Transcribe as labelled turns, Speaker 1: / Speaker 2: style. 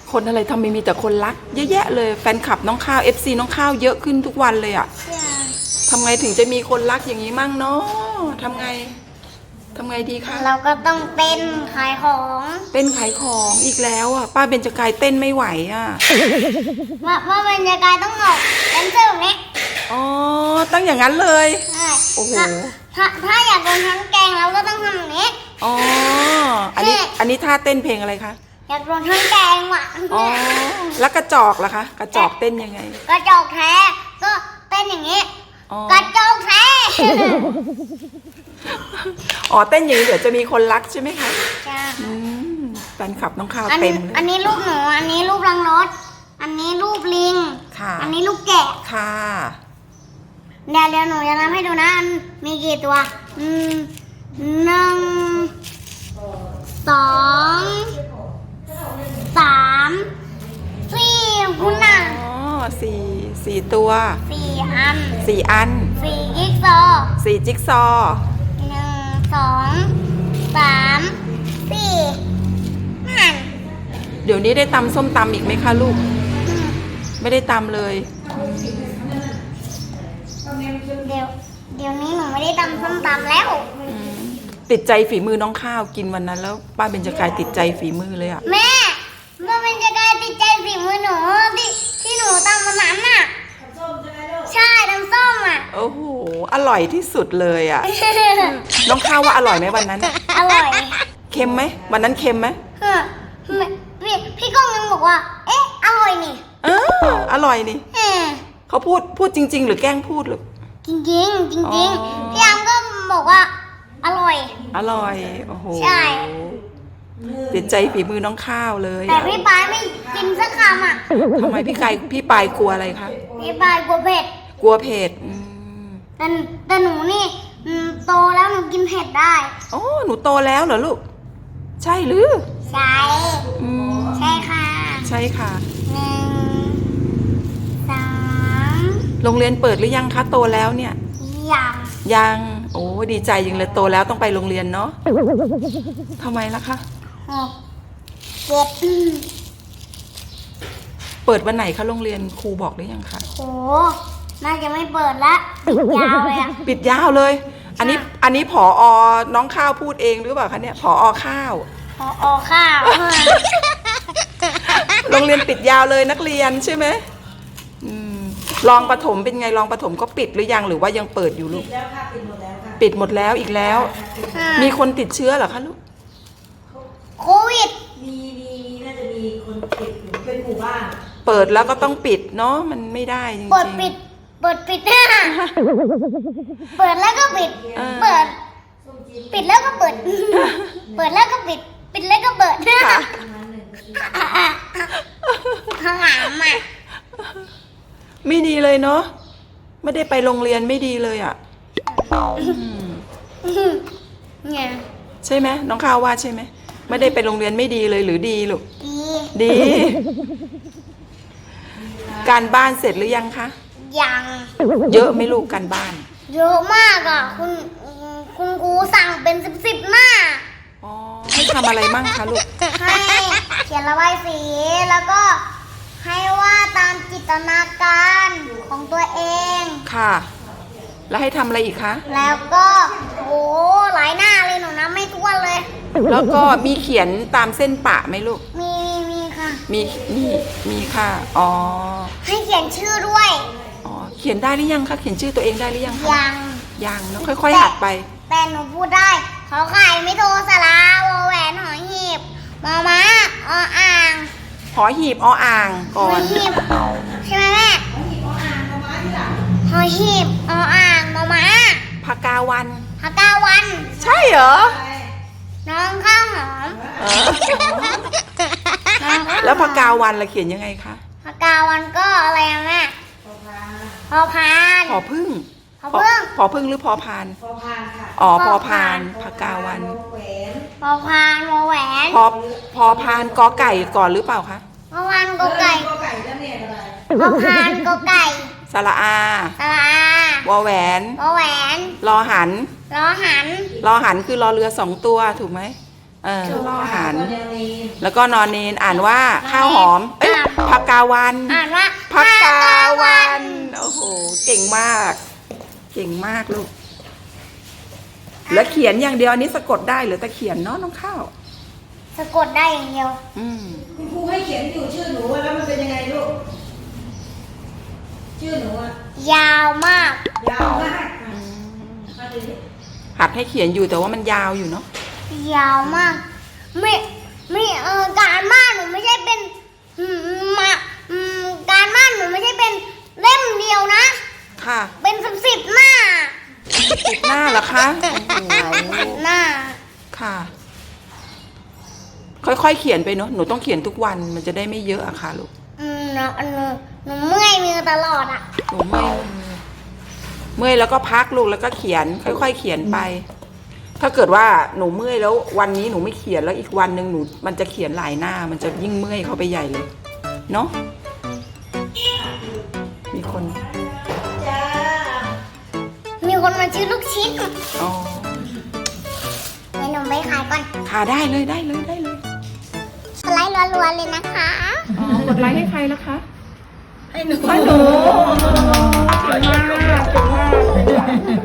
Speaker 1: คนอะไรทำไมมีแต่คนรักเยอะแยะเลยแฟนคลับน้องข้าว FC น้องข้าวเยอะขึ้นทุกวันเลยอะทำไงถึงจะมีคนรักอย่างนี้มั่งเนาะทำไงดีคะ
Speaker 2: เราก็ต้องเต้นขายของ
Speaker 1: เต้นขายของอีกแล้วอะป้าเบญจกายเต้นไม่ไหวอะ
Speaker 2: ว่าบรรยากาศต้องออกแดนเซอร์แบบนี้
Speaker 1: อ๋อตั้งอย่างนั้นเลย
Speaker 2: ใช่
Speaker 1: โอ้โห
Speaker 2: ถ้าอยากโดนทั้งแกงเราก็ต้องทำแบบนี้
Speaker 1: อ๋ออันนี้ท่าเต้นเพลงอะไรคะ
Speaker 2: อยากโดนทั้งแกงว่ะ
Speaker 1: อ๋อแล้วกระจอกล่ะคะกระจอกเต้นยังไง
Speaker 2: กระจอกแท้ก็เต้นอย่างนี้กระจอกแท้
Speaker 1: อ๋อเต้นอย่างนี้เดี๋ยวจะมีคนรักใช่ไหมคะ
Speaker 2: จ้า
Speaker 1: แฟนคลับน้องข้าวเต็มเลย
Speaker 2: อันนี้รูปหนูอันนี้รูปรังรถอันนี้รูปลิง
Speaker 1: ค่ะ
Speaker 2: อันนี้รูปแกะ
Speaker 1: ค่ะ
Speaker 2: เดี๋ยวหนูจะทำให้ดูนะมีกี่ตัว1 2 3 4คุณน่ะ
Speaker 1: อ๋อสี่ตัว
Speaker 2: 4 อัน
Speaker 1: 4 อัน
Speaker 2: 4 จิ๊กซอ
Speaker 1: จิ๊กซอ
Speaker 2: 1 2 3 4นั่น
Speaker 1: เดี๋ยวนี้ได้ตำส้มตำอีกไหมคะลูกไม่ได้ตำเลย
Speaker 2: เดี๋ยวนี้หนูไม่ได้ตำส้มตำแล้ว
Speaker 1: ติดใจฝีมือน้องข้าวกินวันนั้นแล้วป้าเบญจกายติดใจฝีมือเลยอะ
Speaker 2: แม่เป็นจะกลายติดใจฝีมือหนูที่หนูตำวันนั้นน่ะใช่ตำส้มอ่ะ
Speaker 1: โอ้โหอร่อยที่สุดเลยอะน้องข้าวว่าอร่อยไหมวันนั้น
Speaker 2: อร่อย
Speaker 1: เค็มไหมวันนั้นเค็มไหม
Speaker 2: พี่ก้องยังบอกว่าเอ๊ะอร่อยนี่
Speaker 1: อร่อยนี่เขาพูดจริงๆหรือแกล้งพูดหรือ
Speaker 2: จริงพี่ยามก็บอกว่าอร่อย
Speaker 1: โอ้โห
Speaker 2: ใช่
Speaker 1: ติดใจฝีมือน้องข้าวเลย
Speaker 2: แต่พี่ปายไม่กินสักคำอ่ะ
Speaker 1: ทำไมพี่ปายกลัวอะไรคะ
Speaker 2: พี่ปายกลัวเผ็ดแต่หนูนี่โตแล้วหนูกินเผ็ดได้
Speaker 1: อ๋อหนูโตแล้วเหรอลูกใช่หรือ
Speaker 2: ใช่ใช่ค่ะ
Speaker 1: ใช่ค่ะ
Speaker 2: 1 3
Speaker 1: โรงเรียนเปิดหรือยังคะโตแล้วเนี่ยยังโอ้ดีใจยังเลยโตแล้วต้องไปโรงเรียนเนาะทำไมล่ะคะ
Speaker 2: 6 7
Speaker 1: เปิดวันไหนคะโรงเรียนครูบอกหรือยังคะ
Speaker 2: โอ้น่าจะไม่เปิดละปิดยาวเลยอะ
Speaker 1: ปิดยาวเลยอันนี้ผอ.น้องข้าวพูดเองหรือเปล่าคะเนี่ยผอ.ข้าวโรงเรียนปิดยาวเลยนักเรียนใช่ไหมรองประถมเป็นไงรองประถมก็ปิดหรือยังหรือว่ายังเปิดอยู่ลูกปิดหมดแล้วอีกแล้วมีคนติดเชื้อเหรอคะลูก
Speaker 2: โควิด
Speaker 3: มีน่าจะมีคนติดเป็นหมู่บ้าน
Speaker 1: เปิดแล้วก็ต้องปิดเนาะมันไม่ได้จริงๆ
Speaker 2: เปิดปิดเปิดแล้วก็ปิดปิดแล้วก็เปิดเปิดแล้วก็ปิดแล้วก็เปิดข้างหลังอ่ะ
Speaker 1: ไม่ดีเลยเนาะไม่ได้ไปโรงเรียนไม่ดีเลยอ่ะใช่ไหมน้องข้าวว่าใช่ไหมไม่ได้ไปโรงเรียนไม่ดีเลยหรือดีลูกดีการบ้านเสร็จหรือยังคะ
Speaker 2: ยัง
Speaker 1: เยอะไหมลูกการบ้าน
Speaker 2: เยอะมากอ่ะคุณครูสั่งเป็น10 หน้า
Speaker 1: อ๋อให้ทำอะไรมั่งคะลูก
Speaker 2: ให้เขียนระบายสีแล้วก็ให้ว่าตามจินตนาการของตัวเอง
Speaker 1: ค่ะแล้วให้ทำอะไรอีกคะ
Speaker 2: แล้วก็โอ้หลายหน้าเลยหนูนะไม่ท้วนเลย
Speaker 1: แล้วก็มีเขียนตามเส้นปะไหมลูก
Speaker 2: มีค่ะ
Speaker 1: มีค่ะอ๋อ
Speaker 2: ให้เขียนชื่อด้วย
Speaker 1: อ๋อเขียนได้หรือยังคะเขียนชื่อตัวเองได้หรือยังคะยังเนาะค่อยๆหัดไป
Speaker 2: แต่หนูพูดได้ขอไข่ไม่โทรสลาวอแหวนหอหีบมอม้าออ่าง
Speaker 1: หอหีบออ่างก่อน
Speaker 2: หอหีบใช่ไหมแม่หอหีบออ่างมอม้า
Speaker 1: พกาวันใช่เหรอ
Speaker 2: น้องข้าวหอม
Speaker 1: แล้วพกาวันเราเขียนยังไงคะ
Speaker 2: พกาวันก็อะไรอะแม่พอพาน
Speaker 1: พอพึ่งหรือพอพาน
Speaker 3: ค่ะ
Speaker 1: อ๋อพอพานพกาวัน
Speaker 2: พอพานวอแหวน
Speaker 1: พอพานกอไก่ก่อนหรือเปล่าคะ
Speaker 2: พอพานกอไก่พอพานกอไก่
Speaker 1: สระอาวอแหวนรอหันคือรอเรือ2 ตัวถูกไหมล่อหัน
Speaker 3: แล้วก็แนวนี้
Speaker 1: แล้วก็นอนเนนอ่านว่าข้าวหอม เอ้ยผักกาวัน
Speaker 2: อ่านว่า
Speaker 1: ผักกาวัน โอ้โห เก่งมาก เก่งมากลูก แล้วเขียนอย่างเดียวอันนี้สะกดได้หรือแต่เขียนเนาะน้องข้าว
Speaker 2: สะกดได้อย่างเดียว
Speaker 1: อืม
Speaker 3: คุณครูให้เขียนอยู่ชื่อหนูแล้วมันเป็นยังไงลูก ชื่อหนูอะ
Speaker 2: ยาวมาก
Speaker 3: ยาวมากมาดูดิ
Speaker 1: หัดให้เขียนอยู่แต่ว่ามันยาวอยู่เนาะ
Speaker 2: ยาวมากไม่การบ้านหนูไม่ใช่เป็นมาการบ้านหนูไม่ใช่เป็นเล่มเดียวนะ
Speaker 1: ค่ะ
Speaker 2: เป็น10หน้า
Speaker 1: ติดหน้าเหรอคะโอ้โห
Speaker 2: หน้า
Speaker 1: ค่ะ ค่อยๆเขียนไปเนาะ หนูต้องเขียนทุกวันมันจะได้ไม่เยอะอะค่ะลูก
Speaker 2: หนูเมื่อยมือตลอดอ่ะ
Speaker 1: หนูเมื่อยแล้วก็พักลูกแล้วก็เขียน ค่อยๆเขียนไป ถ้าเกิดว่าหนูเมื่อยแล้ววันนี้หนูไม่เขียนแล้วอีกวันหนึ่งหนูมันจะเขียนหลายหน้า มันจะยิ่งเมื่อยเข้าไปใหญ่เลยเนาะมีคน
Speaker 3: จ้า
Speaker 2: มีคนมาซื้อลูกชิ้น
Speaker 1: อ๋อ
Speaker 2: ไปหนูไปขายก่อน
Speaker 1: ค่ะได้เลย
Speaker 2: สไลด์รัวๆเลยนะคะ
Speaker 1: อ๋อกดไลค์ให้ใครล่ะคะ
Speaker 3: ให้หนู
Speaker 1: ให้หนูเก่งมาก